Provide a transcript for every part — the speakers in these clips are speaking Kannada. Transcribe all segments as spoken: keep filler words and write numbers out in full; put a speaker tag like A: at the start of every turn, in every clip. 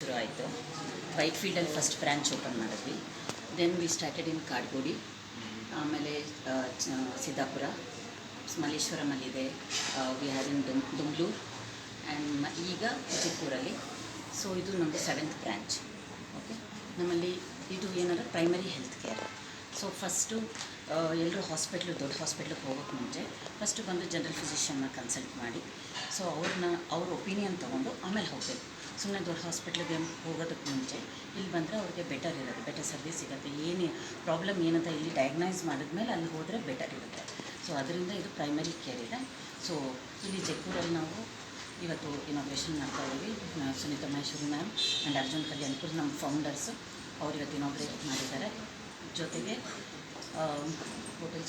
A: ಶುರು ಆಯಿತು. ವೈಟ್ ಫೀಲ್ಡಲ್ಲಿ ಫಸ್ಟ್ ಬ್ರ್ಯಾಂಚ್ ಓಪನ್ ಮಾಡಿದ್ವಿ. Then we started in Kadugodi, ಆಮೇಲೆ ಸಿದ್ದಾಪುರ, ಮಲ್ಲೇಶ್ವರಮಲ್ಲಿದೆ, ವಿ ಹ್ಯಾವ್ ಇನ್ ದುಮ್ ದುಮ್ಲೂರು ಆ್ಯಂಡ್ ಈಗ ವಿಜಯಪುರಲ್ಲಿ. ಸೊ ಇದು ನಮ್ಮದು ಸೆವೆಂತ್ ಬ್ರ್ಯಾಂಚ್. ಓಕೆ, ನಮ್ಮಲ್ಲಿ ಇದು ಏನಾದ್ರು primary health care. So first ಎಲ್ಲರೂ ಹಾಸ್ಪಿಟ್ಲು ದೊಡ್ಡ ಹಾಸ್ಪಿಟ್ಲಿಗೆ ಹೋಗೋಕ್ಕೆ ಮುಂಚೆ ಫಸ್ಟು ಬಂದು ಜನರಲ್ ಫಿಸಿಷಿಯನ್ನ ಕನ್ಸಲ್ಟ್ ಮಾಡಿ, ಸೊ ಅವ್ರನ್ನ ಅವ್ರ ಒಪಿನಿಯನ್ ತೊಗೊಂಡು ಆಮೇಲೆ ಹೋಗಬೇಕು. ಸುಮ್ಮನೆ ದೊಡ್ಡ ಹಾಸ್ಪಿಟ್ಲಿಗೆ ಹೋಗೋದಕ್ಕೆ ಮುಂಚೆ ಇಲ್ಲಿ ಬಂದರೆ ಅವ್ರಿಗೆ ಬೆಟರ್ ಇರುತ್ತೆ, ಬೆಟರ್ ಸರ್ವಿಸ್ ಸಿಗುತ್ತೆ. ಏನು ಪ್ರಾಬ್ಲಮ್ ಏನಂತ ಇಲ್ಲಿ ಡಯಾಗ್ನೈಸ್ ಮಾಡಿದ್ಮೇಲೆ ಅಲ್ಲಿ ಹೋದರೆ ಬೆಟರ್ ಇರುತ್ತೆ. ಸೊ ಅದರಿಂದ ಇದು ಪ್ರೈಮರಿ ಕೇರ್ ಇದೆ. ಸೊ ಇಲ್ಲಿ ಜೈಪುರಲ್ಲಿ ನಾವು ಇವತ್ತು ಇನಾಗ್ರೇಷನ್ ಮಾಡ್ತಾ ಇದ್ದೀವಿ. ಸುನೀತಾ ಮಹೇಶ್ವರಿ ಮ್ಯಾಮ್ ಆ್ಯಂಡ್ ಅರ್ಜುನ್ ಕಲ್ಯಾಣ್ಪುರ್ ನಮ್ಮ ಫೌಂಡರ್ಸು, ಅವ್ರು ಇವತ್ತು ಇನಾಗ್ರೇಟ್ ಮಾಡಿದ್ದಾರೆ. ಜೊತೆಗೆ ಹೋಟೆಲ್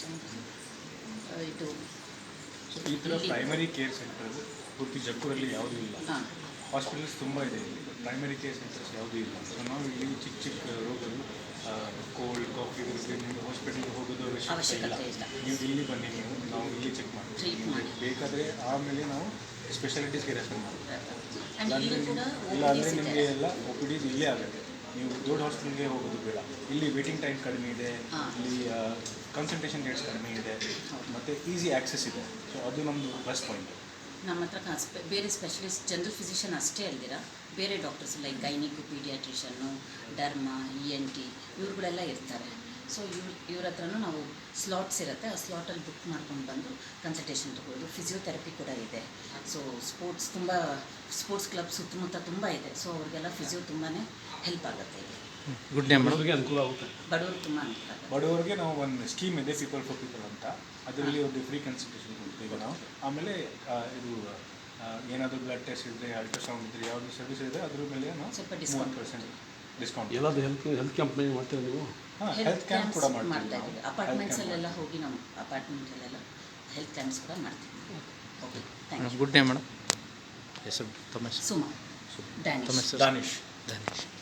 A: ಇದು
B: ಸೊ ಈ ಥರ ಪ್ರೈಮರಿ ಕೇರ್ ಸೆಂಟರ್ ಪೂರ್ತಿ ಜೈಪುರಲ್ಲಿ ಯಾವುದೂ ಇಲ್ಲ.
A: ಹಾಂ,
B: ಹಾಸ್ಪಿಟಲ್ಸ್ ತುಂಬ ಇದೆ, ಇಲ್ಲಿ ಪ್ರೈಮರಿ ಕೇರ್ ಸೆಂಟರ್ಸ್ ಯಾವುದೂ ಇಲ್ಲ. ಸೊ ನಾವು ಇಲ್ಲಿ ಚಿಕ್ಕ ಚಿಕ್ಕ ರೋಗಗಳು, ಕೋಲ್ಡ್ ಕಾಫಿ ಇರುತ್ತೆ, ನೀವು ಹಾಸ್ಪಿಟಲ್ಗೆ ಹೋಗೋದು ಅವಶ್ಯಕತೆ ಇಲ್ಲ. ನೀವು ಇಲ್ಲಿ ಬನ್ನಿ, ನೀವು ನಾವು ಇಲ್ಲಿ ಚೆಕ್ ಮಾಡ್ತೀವಿ. ಬೇಕಾದರೆ ಆಮೇಲೆ ನಾವು ಸ್ಪೆಷಾಲಿಟೀಸ್ಗೆ ರೆಫರ್ ಮಾಡ್ತೀವಿ. ಇಲ್ಲ ಅಂದರೆ ನಿಮಗೆ ಎಲ್ಲ ಒ ಪಿ ಡಿಸ್ ಇಲ್ಲೇ ಆಗುತ್ತೆ. ನೀವು ದೊಡ್ಡ ಹಾಸ್ಪಿಟಲ್ಗೆ ಹೋಗೋದು ಬೇಡ. ಇಲ್ಲಿ ವೇಟಿಂಗ್ ಟೈಮ್ ಕಡಿಮೆ ಇದೆ, ಇಲ್ಲಿ ಕನ್ಸಲ್ಟೇಷನ್ ರೇಟ್ಸ್ ಕಡಿಮೆ ಇದೆ, ಮತ್ತು ಈಸಿ ಆ್ಯಕ್ಸೆಸ್ ಇದೆ. ಸೊ ಅದು ನಮ್ಮದು ಪ್ಲಸ್ ಪಾಯಿಂಟ್.
A: ನಮ್ಮ ಹತ್ರ ಸ್ಪೆ ಬೇರೆ ಸ್ಪೆಷಲಿಸ್ಟ್ ಜನರಲ್ ಫಿಸಿಷಿಯನ್ ಅಷ್ಟೇ ಅಲ್ದಿರ ಬೇರೆ doctors like gynaec, paediatrician, derma, E N T ಇವ್ರುಗಳೆಲ್ಲ ಇರ್ತಾರೆ. ಸೊ ಇವ್ರ ಇವ್ರ ಹತ್ರನೂ ನಾವು ಸ್ಲಾಟ್ಸ್ ಇರುತ್ತೆ, ಆ ಸ್ಲಾಟಲ್ಲಿ ಬುಕ್ ಮಾಡ್ಕೊಂಡು ಬಂದು ಕನ್ಸಲ್ಟೇಷನ್ ತೊಗೊಳ್ಳೋದು. ಫಿಸಿಯೋಥೆರಪಿ ಕೂಡ ಇದೆ. ಸೊ ಸ್ಪೋರ್ಟ್ಸ್ ತುಂಬ ಸ್ಪೋರ್ಟ್ಸ್ ಕ್ಲಬ್ ಸುತ್ತಮುತ್ತ ತುಂಬ ಇದೆ. ಸೊ ಅವ್ರಿಗೆಲ್ಲ ಫಿಸಿಯೋ ತುಂಬಾ ಹೆಲ್ಪ್ ಆಗುತ್ತೆ. ಇಲ್ಲಿ
C: ಗುಡ್ ನೇಮ್ ಮಾಡೋರಿಗೆ ಅನುಕೂಲ ಆಗುತ್ತೆ.
A: ಬಡವರು ತುಂಬ ಅನುಕೂಲ ಆಗುತ್ತೆ.
B: ಬಡವರಿಗೆ ನಾವು ಒಂದು ಸ್ಕೀಮ್ ಇದೆ, ಪೀಪಲ್ ಫಾರ್ ಪೀಪಲ್ ಅಂತ. ಅದರಲ್ಲಿ ಒಂದು ಫ್ರೀ ಕನ್ಸಲ್ಟೇಷನ್ ಕೊಡ್ತೀವಿ ನಾವು. ಆಮೇಲೆ ಇದು ಏನಾದರೂ ಬ್ಲಡ್ ಟೆಸ್ಟ್ ಇದ್ದರೆ, ಅಲ್ಟ್ರಾಸೌಂಡ್ ಇದ್ದರೆ, ಯಾವುದು ಸರ್ವಿಸ್ ಇದೆ ಅದ್ರ ಮೇಲೆ ನಾವು
A: ಸ್ವಲ್ಪ
B: ಡಿಸ್ಕೌಂಟ್ ಪರ್ಸೆಂಟ್ ಡಿಸ್ಕೌಂಟ್.
C: ಎಲ್ಲದು ಹೆಲ್ತ್ ಹೆಲ್ತ್ ಕ್ಯಾಂಪ್ ಮಾಡ್ತೀರಾ ನೀವು?
B: ಹಾಂ, ಹೆಲ್ತ್ ಕ್ಯಾಂಪ್ ಕೂಡ
A: ಮಾಡ್ತಾ
B: ಮಾಡ್ತೀವಿ.
A: ಇದ್ದೀವಿ. ಅಪಾರ್ಟ್ಮೆಂಟ್ಸಲ್ಲೆಲ್ಲ ಹೋಗಿ ನಾವು ಅಪಾರ್ಟ್ಮೆಂಟಲ್ಲೆಲ್ಲ ಹೆಲ್ತ್ ಕ್ಯಾಂಪ್ಸ್ ಕೂಡ ಮಾಡ್ತೀವಿ. Okay, thank you.
C: Good name madam. ಹೆಸರು ತಮ್ಮ ಹೆಸರು?
A: ಸುಮಾ, ಡ್ಯಾನಿಶ್.
C: ತಮ್ಮ ಹೆಸರು?
B: ದಾನಿಶ್.
C: ದಾನಿಶ್.